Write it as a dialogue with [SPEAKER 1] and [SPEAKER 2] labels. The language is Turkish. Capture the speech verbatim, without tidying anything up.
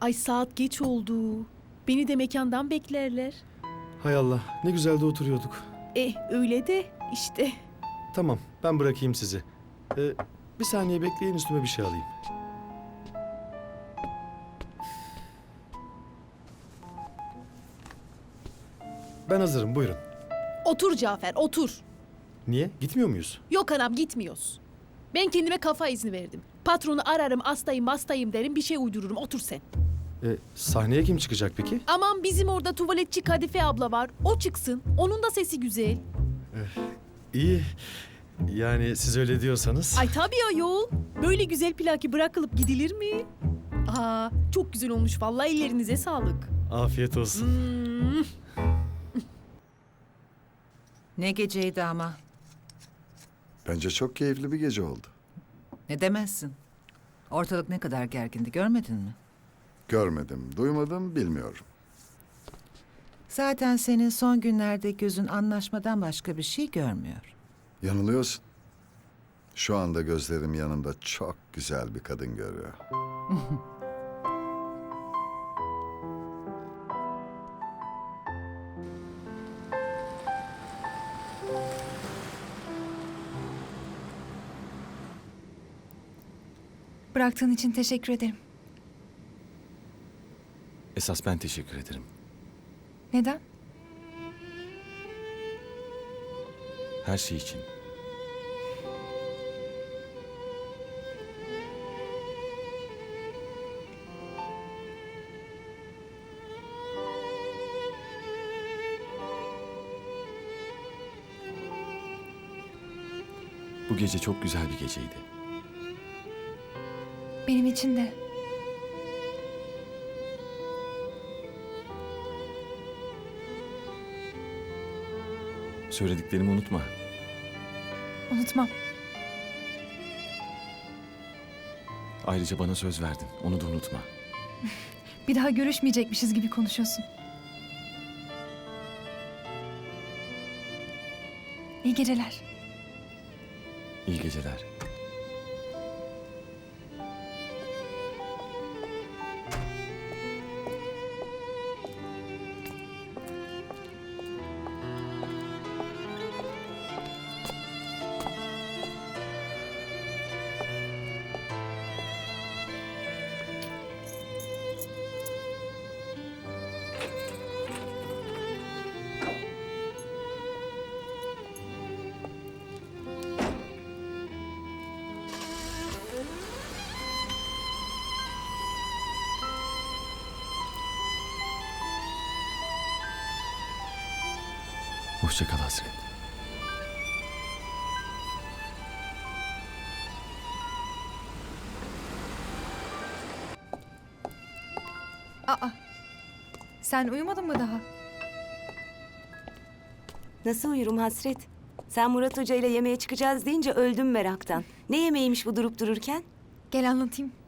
[SPEAKER 1] Ay saat geç oldu. Beni de mekandan beklerler.
[SPEAKER 2] Hay Allah, ne güzel de oturuyorduk.
[SPEAKER 1] Eh öyle de işte.
[SPEAKER 2] Tamam, ben bırakayım sizi. Ee, bir saniye bekleyin, üstüme bir şey alayım. Ben hazırım, buyurun.
[SPEAKER 1] Otur Cafer otur.
[SPEAKER 2] Niye? Gitmiyor muyuz?
[SPEAKER 1] Yok anam gitmiyoruz. Ben kendime kafa izni verdim. Patronu ararım hastayım hastayım derim bir şey uydururum otur sen.
[SPEAKER 2] Ee, sahneye kim çıkacak peki?
[SPEAKER 1] Aman bizim orada tuvaletçi Kadife abla var. O çıksın. Onun da sesi güzel.
[SPEAKER 2] İyi. Yani siz öyle diyorsanız.
[SPEAKER 1] Ay tabii ayol. Böyle güzel plaki bırakılıp gidilir mi? Aa, çok güzel olmuş vallahi ellerinize sağlık.
[SPEAKER 2] Afiyet olsun.
[SPEAKER 1] Hmm.
[SPEAKER 3] Ne geceydi ama.
[SPEAKER 4] Bence çok keyifli bir gece oldu.
[SPEAKER 3] Ne demezsin. Ortalık ne kadar gergindi görmedin mi?
[SPEAKER 4] Görmedim, duymadım, bilmiyorum.
[SPEAKER 3] Zaten senin son günlerde gözün anlaşmadan başka bir şey görmüyor.
[SPEAKER 4] Yanılıyorsun. Şu anda gözlerim yanımda çok güzel bir kadın görüyor.
[SPEAKER 5] Bıraktığın için teşekkür ederim.
[SPEAKER 6] Esas ben teşekkür ederim.
[SPEAKER 5] Neden?
[SPEAKER 6] Her şey için. Bu gece çok güzel bir geceydi.
[SPEAKER 5] Benim için de.
[SPEAKER 6] Söylediklerimi unutma.
[SPEAKER 5] Unutmam.
[SPEAKER 6] Ayrıca bana söz verdin. Onu da unutma.
[SPEAKER 5] Bir daha görüşmeyecekmişiz gibi konuşuyorsun. İyi geceler.
[SPEAKER 6] İyi geceler. Hoşça kal Hasret.
[SPEAKER 5] Aa. Sen uyumadın mı daha?
[SPEAKER 7] Nasıl uyurum Hasret? Sen Murat Hoca ile yemeğe çıkacağız deyince öldüm meraktan. Ne yemeğiymiş bu durup dururken?
[SPEAKER 5] Gel anlatayım.